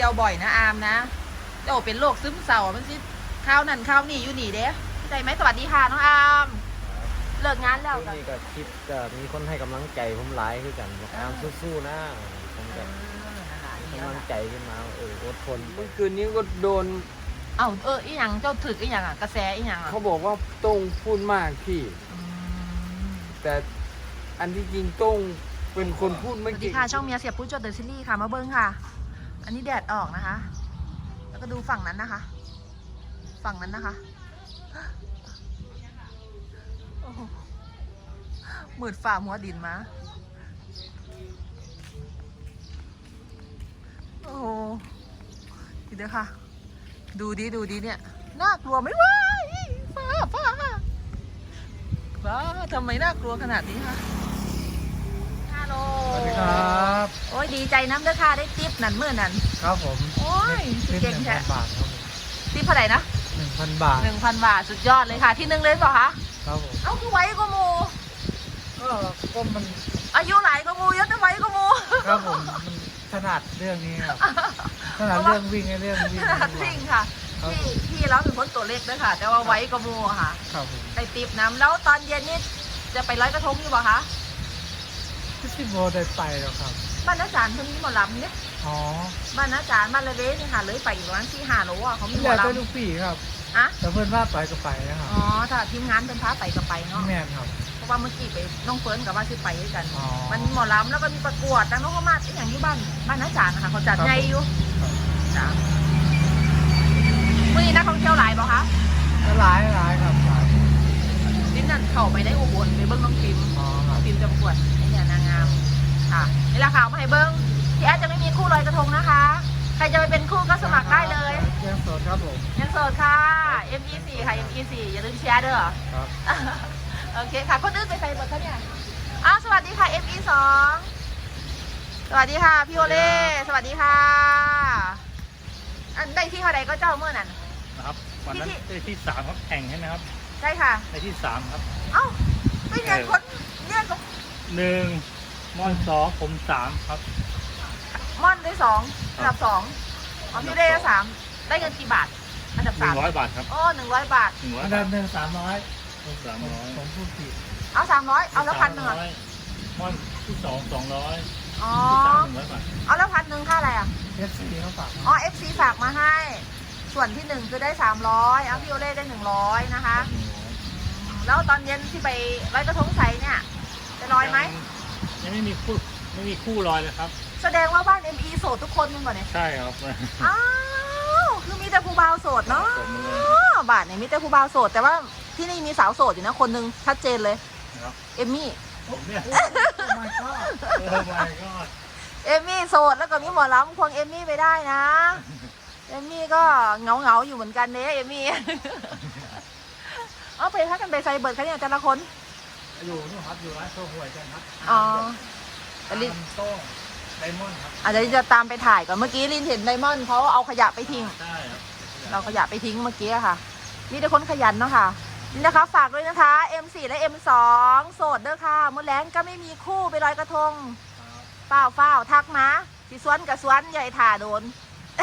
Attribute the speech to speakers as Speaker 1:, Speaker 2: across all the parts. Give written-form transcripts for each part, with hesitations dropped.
Speaker 1: เจ้าบ่อยนะอามนะเจ้าเป็นโรคซึมเศร้ามันสิข้าวนั่นข้าวนี่อยู่นี่เด้ใจไหมสวัสดีค่ะน้องอามเลิกงานแล้วกัน
Speaker 2: นี่ก็คิดจะมีคนให้กำลังใจผมหลายคือกันบอกอามสู้ๆนะผมจะกำลังใจขึ้นมาอดทน
Speaker 3: เมื่อคืนนี้ก็โดน
Speaker 1: อีหยังเจ้าถึกอีหยังอ่ะกระแสอีหยังอ่ะ
Speaker 3: เขาบอกว่าโต้งพูดมากพี่ แต่อันที่จริงโต้งเป็นคนพูด
Speaker 1: ส
Speaker 3: ไม่
Speaker 1: วัสดี
Speaker 3: เก่ง
Speaker 1: ค่ะช่องเมียเสียบพูดจดเดอะซีรีส์ค่ะมาเบิ้งค่ะ อันนี้แดดออกนะคะ แล้วก็ดูฝั่งนั้นนะคะ ฝั่งนั้นนะคะโอ้โหมืดฝ่าหัวดินมาโอ้โหดีเด้อค่ะ ดูดีเนี่ยน่ากลัวไหมวะฟ้าทำไมน่ากลัวขนาดนี้คะฮัลโหล
Speaker 2: สวัสดีครับ
Speaker 1: โอ้ยดีใจน้ำเด้อค่ะได้ติ๊บนั่นเมื่อนั้น
Speaker 2: ครับผม
Speaker 1: โอ้ยสุดเก่งแท้
Speaker 2: 1,000 บาทครับผม
Speaker 1: ติ๊บเท่าไหร่นะ
Speaker 2: 1,000 บาท
Speaker 1: 1,000 บาทสุดยอดเลยค่ะ ที่หนึ่งเลยเปล่าคะ
Speaker 2: ครับผม
Speaker 1: เอ้าคือไว้ก็มู
Speaker 2: ก็มัน
Speaker 1: อายุหลายก็มูเยอะแต่ไว้ก็มู
Speaker 2: ครับผมมันถนัดเรื่องนี้ครับถนัดเรื่องวิ่งเรื่องวิ่ง
Speaker 1: ขนาดวิ่งค่ะพี่เราเป็นคนตัวเล็กด้วยค่ะ แต่ว่าไว้ก็มูค่ะ
Speaker 2: ครับผม
Speaker 1: ได้ติ๊บน้ำแล้วตอนเย็นนี่จะไปร้อยกระทงอยู่เปล่าคะ
Speaker 2: ที่โบได้ไปแล้วครับ
Speaker 1: บ้านอาจารย์คนนี้หมอลำเนี่ย
Speaker 2: อ๋อ
Speaker 1: บ้านอาจารย์บ้านละเวนี่ค่ะเลยไปอีกประมาณ4-5 โลอ่ะเขามีหม
Speaker 2: แล้
Speaker 1: อ
Speaker 2: วแต่
Speaker 1: ลำ
Speaker 2: ลูกพี่ครับ
Speaker 1: อะ
Speaker 2: แต่เพื่อนว่าไปก็ไปนะครับ
Speaker 1: อ๋อถ้าทีมงานเป็นพาไปก็ไปเนาะ
Speaker 2: แม่นครับ
Speaker 1: เพราะว่าเมื่อกี้ไปน้องเฟิร์นกับว่าชื่อไปด้วยกัน
Speaker 2: อ๋อ
Speaker 1: มันมีหมอลำแล้วก็มีประกวดดังน้องเขามาไอ้อย่างที่บ้านอาจารย์นะคะเขาจัดใหญ่อยู่
Speaker 2: ครับ
Speaker 1: จ้ะมื่อนี้นักท่องเที่ยวหลายเปล่าคะ
Speaker 2: ก็หลายครับหลาย
Speaker 1: ลิ้นนั่นเข้าไปได้อุบลไปเบิ้งน้องพิม
Speaker 2: อ๋อครับ
Speaker 1: พิมจะประกวดไอ้เนี่ยนางงามค่ะนี่แหละค่ะเอามาให้เบิ้งที่อาจจะไม่มีคู่ลอยกระทงนะคะ ใครจะไปเป็นคู่ก็สมัครได้เลย
Speaker 2: ยังโสดครับผม
Speaker 1: ยังโสดค่ะ ME4 ค่ะ ME4 อย่าลืมเชียร์เด้อ
Speaker 2: ครับ
Speaker 1: โอเคค่ะคนอื่นไปใส่หมดแล้วเนี่ยอ้าวสวัสดีค่ะ ME2 สวัสดีค่ะพี่โอเล่สวัสดีค่ะอันได้ที่เท่าไหร่ก็เจ้าเมื่อนั้น
Speaker 4: นะครับวันนั้นได้ที่3ครับแข่งใช่ไหมครับ
Speaker 1: ใช่ค่ะ
Speaker 4: ได้ที่3ครับ
Speaker 1: เอ้าไม่เรียนคนเนี่ยกับ
Speaker 4: 1ม่อน2ผม3ครับ
Speaker 1: ม่อนได้2อันดับ2อ๋อพี่ได้3ได้เงินกี่บาทอันดับ3
Speaker 4: 100 บาทครับ
Speaker 1: โอ้100 บาท
Speaker 4: 100
Speaker 2: อัน
Speaker 4: บา
Speaker 2: ดั
Speaker 4: ท
Speaker 2: บหนึ่ง300
Speaker 4: ผม
Speaker 2: ผมพูดผิด
Speaker 1: เอา300เอาแล้ว1,000อ่ะ
Speaker 4: 300ม่อนที่2 200
Speaker 1: อ๋อ
Speaker 4: ที่3 100 บาท
Speaker 1: เอาแล้ว1,000ค่าอะไรอ่ะ
Speaker 2: FC เขาฝากมา
Speaker 1: อ๋อ FC ฝากมาให้ ส่วนที่1คือได้300เอาพี่โอเล่ได้100นะคะ แล้วตอนเย็นที่ไปลอยกระทงใสเนี่ยไปลอยไหม
Speaker 4: ยังไม่มีคู่ลอยเลยครับ
Speaker 1: แสดงว่าบ้าน ME โสดทุกคนยังก่อนเนี่ย
Speaker 4: ใช่ครับ
Speaker 1: อ้าวคือมีแต่ผู้บ่าวโสดเนาะ
Speaker 4: ผมเลย
Speaker 1: บ้านเนี่ยมีแต่ผู้บ่าวโสด แต่ว่าที่นี่มีสาวโสดอยู่นะคนหนึงชัดเจนเลย
Speaker 4: นะครับ
Speaker 1: เอมมี่
Speaker 4: ผมเนี่ย
Speaker 2: my god
Speaker 4: โอ้ my god
Speaker 1: เอมมี่โสดแล้วก็มีหมอลำควงเอมมี่ไปได้นะเอมมี่ก็เหงาอยู่เหมือนกันเด้เอมมี่ เอาไปพักกันไปไซเบิร์ดคะเนี่ยแต่ละคน
Speaker 2: อยู่นู่นครับอยู่ร้านโซ่หวยกันครับ
Speaker 1: อ๋อแต่ลิน
Speaker 2: โต้งไดมอนด์ครับ
Speaker 1: อาจจะจะตามไปถ่ายก่อนเมื่อกี้ลินเห็นไดมอนด์เขาเอาขยะไปทิ้ง
Speaker 4: ใช่ครับ
Speaker 1: เราขยะไปทิ้งเมื่อกี้อะค่ะมีแต่คนขยันเนาะค่ะนี่นะคะฝากด้วยนะคะ M4 และ M2 โสดเด้อค่ะมื้อแล้งก็ไม่มีคู่ไปลอยกระทงเฝ้าทักมาสิสวนกับสวนใหญ่ถ่าโดน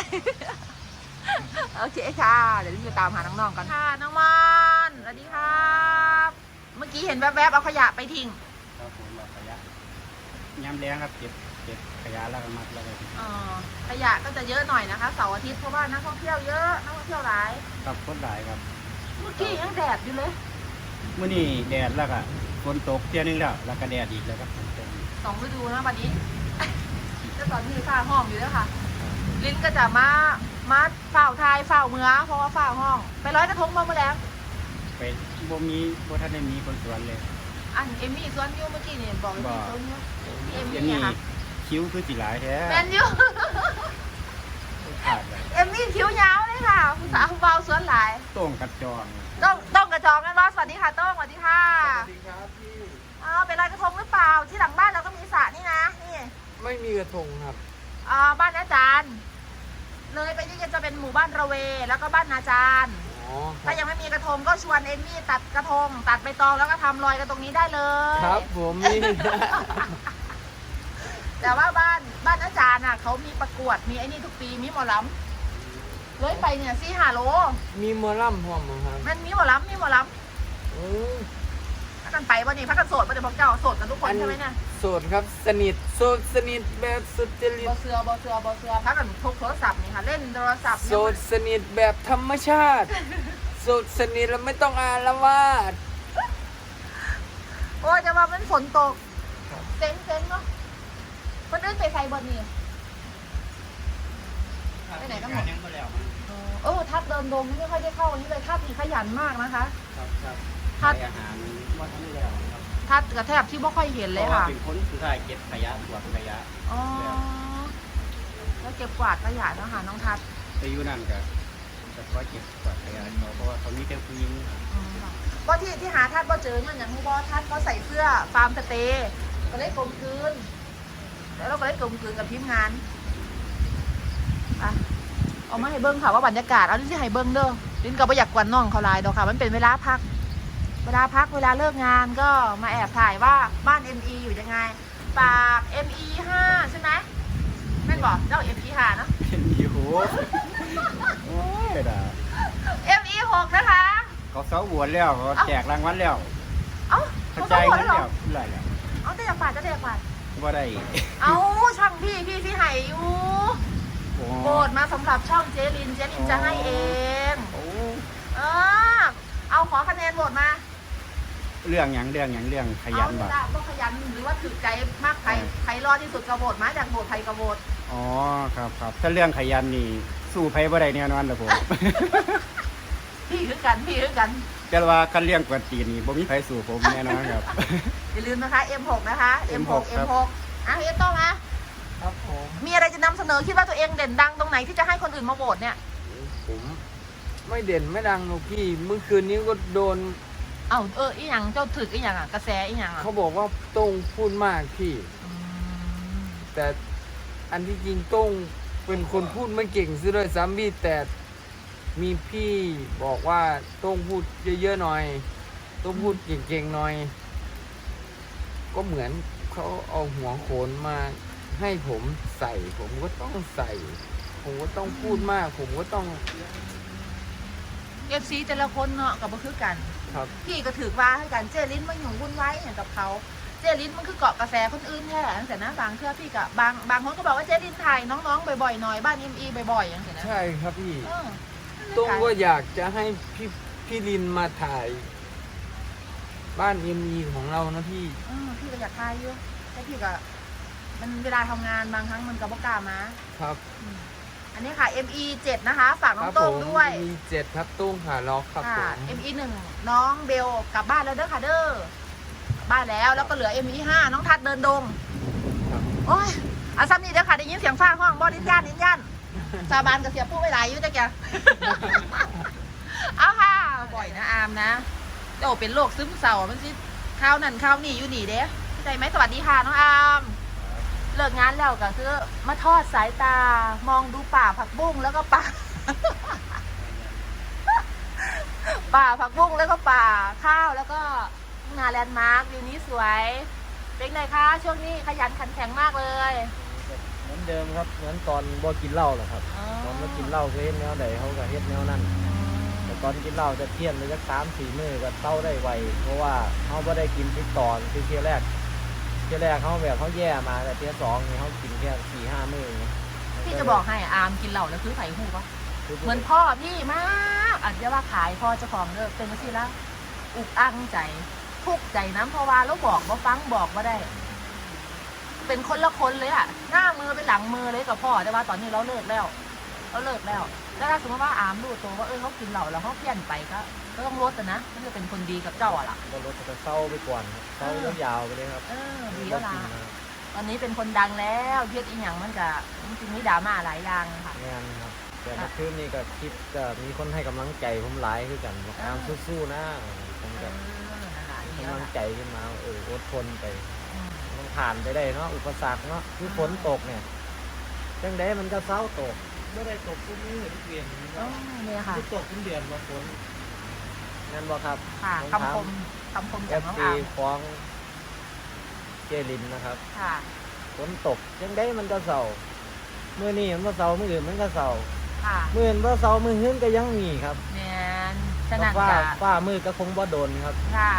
Speaker 1: โอเคค่ะ เดี๋ยวจะตามหาน้องๆกันค่ะน้องมอนสวัสดีครับเมื่อกี้เห็นแวบๆเอาขยะไปทิ้ง
Speaker 3: ครับผมเราขยะย้ำแรงครับเก็บขยะแล้วก็มัดแล้วก็
Speaker 1: ขยะก็จะเยอะหน่อยนะคะเสาร์อาทิตย์เพราะว่านักท่องเที่ยวเยอะนักท่องเที่ยวหลาย
Speaker 3: กับคนหลายครับ
Speaker 1: เมื่อกี้ยังแดดอยู่เลย
Speaker 3: เมื่อนี้แดดแล้วก็ฝนตกเที่ยนึงแล้วก็แดดอีกแล้วครับฝนตกอีก
Speaker 1: 2 ฤดูนะวันนี้ แล้วตอนนี้ฝ้าห้องอยู่ด้วยค่ะ ลิ้นก็จะมาเฝ้าทายเฝ้าเมือเพราะว่าฝ้าห้อง ไปร้อยกระทงมาเมื่อแล้ว
Speaker 3: ไปบ่ทันได้มีคนสวนเลย
Speaker 1: อันเอมมี่สวนอยูเมื่อกี้เนี่ยบอกเอมมี่สวนอยูเอม
Speaker 3: เดี๋ยว
Speaker 1: มี่
Speaker 3: นี้
Speaker 1: อะค่ะ
Speaker 3: คิ้วคือสิหลายแท้
Speaker 1: แมนอยู
Speaker 3: ขาดเลย
Speaker 1: เอมมี่คิ้วยาวเลยค่ะผู้สาวเบาสวนหลาย
Speaker 3: โต้งกัดจอง
Speaker 1: ต้องกระจองกันรอสวัสดีค่ะต้องสวัสดีค่ะ
Speaker 2: สวัสดีครับพี่
Speaker 1: ไปลอยกระทงหรือเปล่าที่หลังบ้านเราก็มีสระนี่นะนี่
Speaker 2: ไม่มีกระทงครับ
Speaker 1: บ้านอาจารย์เลยไปนี่จะเป็นหมู่บ้านระเวแล้วก็บ้านอาจารย์
Speaker 2: อ๋อครั
Speaker 1: ถ้า
Speaker 2: บ
Speaker 1: ยังไม่มีกระทงก็ชวนเอมมี่ตัดกระทง ตัดใบตองแล้วก็ทำลอยกันตรงนี้ได้เลย
Speaker 2: ครับผมมี
Speaker 1: แต่ว่าบ้านอาจารย์อ่ะเขามีประกวดมีไอ้นี่ทุกปีมีหมอลำเลยไปเนี่ย4-5 โล
Speaker 3: มีหมอลำพร้อมมั้งครับ
Speaker 1: มันมีหมอลำ
Speaker 3: อืม
Speaker 1: พักกันไปวันนี้พักกันโสดวันนี้พวกเจ้าโสดกันทุกคนใช่ไหมเนี่ย
Speaker 3: โสดครับสนิทโสดสนิทแบบสุดจริ
Speaker 1: บอ
Speaker 3: ต
Speaker 1: เสืพักกันพกโทรศัพท์นี่ค่ะเล่นโทรศัพท์
Speaker 3: โสดสนิทแบบธรรมชาติโสดสนิทแล้วไม่ต้องอาละวาด
Speaker 1: โอ้ยจะว่ามันฝนตกเซ็งเนาะคนอื่นไปใส่บนนี่ไปไหนกันหมด
Speaker 4: ยังก็แล้ว
Speaker 1: ทัดเดินดงนี่ไม่ค่อยได้เข้าวันนี้เลยทัดนี่ขยันมากนะคะ
Speaker 4: ครับ
Speaker 1: ทัด
Speaker 4: อาหารว่าทำไม่แล้วครับ
Speaker 1: ทัดกระแทบที่ไม่ค่อยเห็นเลยค่ะ
Speaker 4: เป็นคนสุดท้ายเก็บขยะตรวจขยะ
Speaker 1: อ๋อแล้วเก็บกวาดขยะเนาะค่ะน้องทัด
Speaker 4: ไปอยู่นั่นก็จะคอยเก็บตรวจขยะเขาเพราะว่าเขามีแต่ผู้หญิง
Speaker 1: ว่าที่หาทัดว่าเจอเนี่ยอย่างที่ว่าทัดเขาใส่เสื้อฟาร์มสเตย์ก็เลยกลมกลืนแล้วเราก็เลยกลมกลืนกับทีมงานอ่ะเอามาให้เบิ้งค่ะว่าบรรยากาศเอาที่ให้เบิ้งเด้อลินก็ไม่อยากกวนน้องเขาหลายดอกค่ะมันเป็นเวลาพัก เวลาเลิกงานก็มาแอบถ่ายว่าบ้าน ME อยู่ยังไงปาก ME 5ใช่ไหมแม่นบอกเจ้า ME 5เนาะ
Speaker 4: เป็นอยู่โอ้ยด่า
Speaker 1: ME 6นะคะ
Speaker 4: เขาเสาบวชแล้วเขาแจกรางวัลแล้ว
Speaker 1: เอ้า
Speaker 4: เขา
Speaker 1: เขา
Speaker 4: ใจาย
Speaker 1: หมด
Speaker 4: เงิน
Speaker 1: แล้วเหร
Speaker 4: แล้
Speaker 1: อ
Speaker 4: วเท่าไหร่แล้ว
Speaker 1: เอาแต่อยากฝาดจะได้อยากฝาด
Speaker 4: ว่าได้
Speaker 1: เอาช่องพี่ไห่อยู่
Speaker 4: โอ้
Speaker 1: โบดมาสำหรับช่องเจลินจะให้เอง
Speaker 4: โอ้
Speaker 1: เออเอาขอคะแนนโหวตมา
Speaker 4: เรื่องอย่างขยัน
Speaker 1: เอา
Speaker 4: บ่
Speaker 1: ละก็ขยันหรือว่าถือใจมากใครรอดที่สุดกระโบดมาจากโบดใครกระโบด
Speaker 4: อ๋อครับถ้าเรื่องขยันนี่สู้ไผบ่ได้แน่นอนเลยผม
Speaker 1: พี่คือกัน
Speaker 4: แต่ว่าคันเรื่องกวนตีนนี่บ่มีไผสู้ผมแน่นอนครับ
Speaker 1: อย่าลืมนะคะ M6 นะคะ M6
Speaker 4: ครับ
Speaker 1: M6 อ่ะเฮียโต้งนะ
Speaker 3: ครับผม
Speaker 1: มีอะไรจะนำเสนอคิดว่าตัวเองเด่นดังตรงไหนที่จะให้คนอื่นมาโหวตเนี่ย
Speaker 3: ผมไม่เด่นไม่ดังหรอกพี่เมื่อคืนนี้ก็โดน
Speaker 1: อีหยังเจ้าถึกอีหยังอ่ะกระแสอีหยังอ่ะ
Speaker 3: เขาบอกว่าโต้งพูดมากพี่
Speaker 1: อืม
Speaker 3: แต่อันที่จริงโต้งเป็นคนพูดไม่เก่งซะด้วยซ้ำพี่แต่มีพี่บอกว่าโต้งพูดเยอะๆหน่อยโต้งพูดเก่งๆหน่อย ก็เหมือนเขาเอาหัวโขนมาให้ผมใส่ ผมก็ต้องใส่ ผมก็ต้องพูดมาก ผมก็ต้อง
Speaker 1: FC แต่ละคนเนาะกับบ่คือกัน
Speaker 3: ครับ
Speaker 1: พี่ก็ถือว่าให้กันเจลินมันอยู่วุ่นวายอย่างกับเขาเจลินมันคือเกาะกระแสคนอื่นแค่ตั้งแต่นะบางเทื่อพี่กับบางคนก็บอกว่าเจลินถ่ายน้องๆบ่อยๆหน่อยบ้าน ME บ่อยๆอย่างเงี้ยนะ
Speaker 3: ใช่ครับพี่
Speaker 1: เออ
Speaker 3: โต้งก็อยากจะให้พี่ลินมาถ่าย บ้านMEของเรานะพี่
Speaker 1: พี่ก็อยากถ่ายอยู่แต่พี่ก็มันเวลาทำงานบางครั้งมันก็บ่กล้ามา
Speaker 3: ครับ
Speaker 1: อันนี้ค่ะ ME 7นะคะฝากน้
Speaker 3: ค
Speaker 1: อ
Speaker 3: รั
Speaker 1: งโต้ง
Speaker 3: ผม
Speaker 1: ด้วย
Speaker 3: มี7ครับโต้งขาล็อกครับผ
Speaker 1: ค่ะ
Speaker 3: ม
Speaker 1: ME 1น้องเบลกลับบ้านแล้วเด้อค่ะเด้อกลับบ้านแล้วก็เหลือ ME 5น้องทัดเดินดง
Speaker 3: ครับ
Speaker 1: โอ้ยอาซ้ำนี่เด้อค่ะได้ยินเสียงฟ้าห้องบ่ดิ้นย่านสาบานกับเสียผู้ไว้หลายอยู่จ้ะแก เอาค่ะบ่อยนะอามนะโอ้เป็นโรคซึมเศร้ามันสิข้าวนั่นข้าวนี่อยู่นี่เด้เข้าใจไหมสวัสดีค่ะน้องอามเลิกงานแล้วก็คือมาทอดสายตามองดูป่าผักบุ้งแล้วก็ป่า ป่าผักบุ้งแล้วก็ป่าข้าวแล้วก็ทุ่งนาแลนด์มาร์ควิวนี้สวยเป็นไงคะช่วงนี้ขยันขันแข็งมากเลย
Speaker 2: เหมือนเดิมครับเหมือนตอนบ่กินเหล้าแหละครับ
Speaker 1: อ๋อ
Speaker 2: ตอนมากินเหล้าก็เฮ็ดแนวใดเขาก็เฮ็ดแนวนั้นแต่ตอนกินเหล้าจะเที่ยนไปสัก3-4 มื้อก็เต้าได้ไวเพราะว่าเขาบ่ได้กินติดต่อคือเที่ยแรกเขาแบบเขาแย่มาแต่เที่ยสองนี่เขากินแค่4-5 มื้ออย่างเงี้ย
Speaker 1: พี่จะบอกให้อามกินเหล้าแล้วคือไผ่หูปะ
Speaker 2: คือ
Speaker 1: เหมือนพ่อพี่มากอาจจะว่าขายพ่อเจ้าของเลิกเป็นมาสิละอุกอั้งใจทุกข์ใจน้ำเพราะว่าแล้วบอกว่าฟังบอกว่าได้ เป็นคนละคนเลยอะหน้ามือเป็นหลังมือเลยกับพ่อแต่ว่าตอนนี้เราเลิกแล้วแล้วถ้าสมมติว่าอามรู้ตัวว่าเขากินเหล้าแล้วเขาเพี้ยนไปก็ต้องลดนะมันจะเป็นคนดีกับเจ้าอะล่ะ
Speaker 2: ก็รถจะเศร้าไปก่อนครับเศร้ายาวๆไปเลยครับ
Speaker 1: ดีแล้วล่ะตอนนี้เป็นคนดังแล้วเพี้ยนอีหยังมันจะจริงๆมีดราม่าหลายอย่างค่ะ
Speaker 2: งานครับแต่เมื่อคืนนี้ก็คิดก็มีคนให้กำลังใจผมหลายคือกันบอกอามสู้ๆนะผมก็
Speaker 1: นะคะดี
Speaker 2: กำ
Speaker 1: แล้ว
Speaker 2: ลัง
Speaker 1: ล่ะ
Speaker 2: ใจขึ้นมาอดทนไปมันผ่านไปได้เนาะอุปสรรคเนาะคือฝนตกเนี่ยจังไดมันก็เศร้าตก
Speaker 4: ไม่ได้ตกทุกมื้อทุกเดือน
Speaker 1: เนี่ยค่ะ
Speaker 4: ทุกตกทุกเดือนมาฝน
Speaker 2: นั่นบ่ครับ
Speaker 1: ค่ะ
Speaker 2: ผม
Speaker 1: คำ
Speaker 2: ถาม
Speaker 1: คม
Speaker 2: เอ
Speaker 1: จาก
Speaker 2: ฟ
Speaker 1: น้อง
Speaker 2: ซี
Speaker 1: อาม
Speaker 2: ฟ้องเจลินนะครับ
Speaker 1: ค่ะ
Speaker 2: ฝนตกยังได้มันก็เศร้ามื้อนี้มันบ่เศร้ามื้ออื่นมันก็เศร้า
Speaker 1: ค่ะ
Speaker 2: มื้ออื่นบ่เศร้ามื้ออื่นก็ยังมีครับ
Speaker 1: แมนฉะนั้น
Speaker 2: ฟ้า
Speaker 1: จะ
Speaker 2: ฟ้ามืดก็คงบ่โดนครับ
Speaker 1: ค่ะ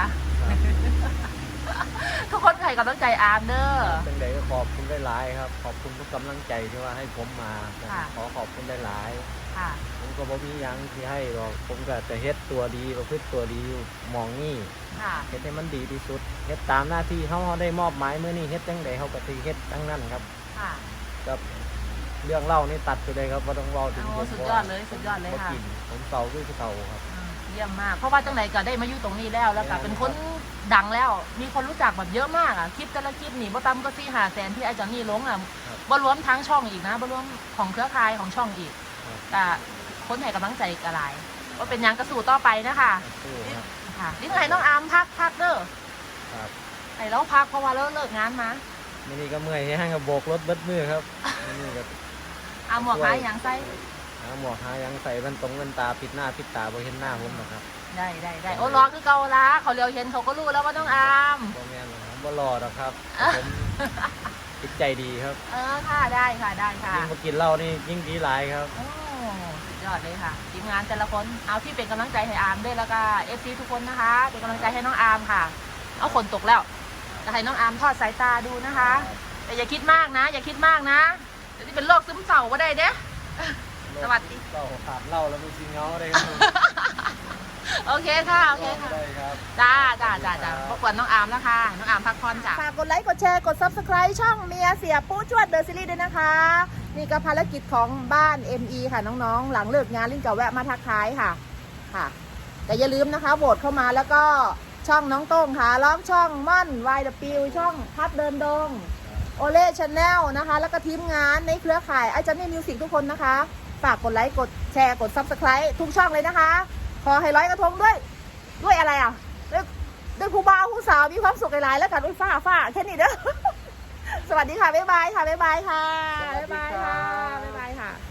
Speaker 1: ทุกคนให้กำลังใจอาร์มเด้อ
Speaker 2: จังใดก็ขอบคุณหลายๆครับ ขอบคุณทุกกำลังใจที่ว่าให้ผมมา
Speaker 1: ค่ะ
Speaker 2: ขอขอบคุณหลาย
Speaker 1: ค่ะ
Speaker 2: ๆผมก็บ่มีหยังที่ให้หรอกผมก็จะเฮ็ดตัวดีประพฤติตัวดีอยู่หมองนี่
Speaker 1: ค่ะ
Speaker 2: เฮ็ดให้มันดีที่สุดเฮ็ดตามหน้าที่เฮาได้มอบหมายมื้อนี้เฮ็ดจังใดเฮาก็สิเฮ็ดทั้งนั้นครับ
Speaker 1: ค่ะ
Speaker 2: กับเรื่องเล่านี่ตัดไปเลยครับบ่ต้องเว้าถึง
Speaker 1: โอ้
Speaker 2: ผม
Speaker 1: สุดยอดเลยสุดยอดเลย
Speaker 2: บ่
Speaker 1: ค่ะ
Speaker 2: กินผมเก่าคือเก่าครับ
Speaker 1: เยี่ยมมาก เพราะว่าจังไหนก็ได้มาอยู่ตรงนี้แล้วแล้วก็เป็นคนดังแล้ว มีคนรู้จักแบบเยอะมากอ่ะ คลิปแต่ละคลิปนี่บ่ต่ำก็4-5 แสนที่ไอ้จอนนี่ลงอ่ะบ่รวมทั้งช่องอีกนะบ่รวมของเครือข่ายของช่องอีกแต่คนให้กำลังใจกระหลายว่าเป็นหยังกระสู่ต่อไปนะคะ
Speaker 2: สู้ครับ
Speaker 1: ค่ะนี่ไงน้องอาร์มพักเด้อ
Speaker 2: ครับ
Speaker 1: ไอ้เราพักเพราะว่าเราเลิกงานมา
Speaker 2: มื้อนี้ก็เมื่อยแห้งก็โบกรถเบิดมือครับมื้อนี้ก็
Speaker 1: เอาหมวกหาอย่างใส่
Speaker 2: หาหมวกหาหยังใส่แว่นแว่นตาปิดหน้าปิดตาบ่เห็นหน้าผมหรอกครับ
Speaker 1: ได้โอ้รอคือเกาละเขาเลียวเห็นเขาก็รู้แล้วว่าน้องอาร์ม
Speaker 2: บ่แม่นหรอกผมบ่รอดอกครับผมจิตใจดีครับ
Speaker 1: ค่ะได้ค่ะได้ค่ะ
Speaker 2: ยิ่งมากินเหล้านี่ยิ่งดีหลายครับ
Speaker 1: โอ้สุดยอดเลยค่ะทีมงานแต่ละคนเอาที่เป็นกำลังใจให้อาร์มด้วยแล้วก็เอฟซีทุกคนนะคะ เป็นกำลังใจให้น้องอาร์มค่ะ เอาฝนตกแล้วจะให้น้องอาร์มทอดสายตาดูนะคะ แต่อย่าคิดมากนะ อย่าคิดมากนะเดี๋ยวนี้เป็นโรคซึมเศร้าก็ได้เด้ สวัสดี
Speaker 2: เหล้าขาดเหล้าแล้วมีสิงเงาได้ครับ
Speaker 1: โอเคค่ะโอเคค่ะ
Speaker 2: ได้ครับ
Speaker 1: จ้าพบกันน้องอาร์มนะคะ น้องอาร์มพักผ่อนจ้ะฝากกดไลค์ กดแชร์ กด Subscribe ช่องเมียเสียปู้จวดเดอะซีรีส์ด้วยนะคะ นี่ก็ภารกิจของบ้าน ME ค่ะน้องๆ หลังเลิกงานลิ้นกับแวะมาทักทายค่ะ ค่ะ แต่อย่าลืมนะคะโหวตเข้ามาแล้วก็ช่องน้องโต้งค่ะล้อมช่องม่อนวายเดอะปิวช่องพัดเดินดง โอเล่ชาแนลนะคะ แล้วก็ทีมงานในเครือข่ายไอจันนี่มิวสิกทุกคนนะคะ ฝากกดไลค์ กดแชร์ กด Subscribe ทุกช่องเลยนะคะ ขอให้ร้อยกระทงด้วยอะไรอ่ะด้วยผู้บ่าวผู้สาวมีความสุขหลายๆแล้วกันด้วยฟ้าแค่นี้เด้อ สวัสดีค่ะ บ๊ายบายค่ะ บ๊ายบายค่ะ บ๊ายบายค่ะ บ๊ายบายค่ะ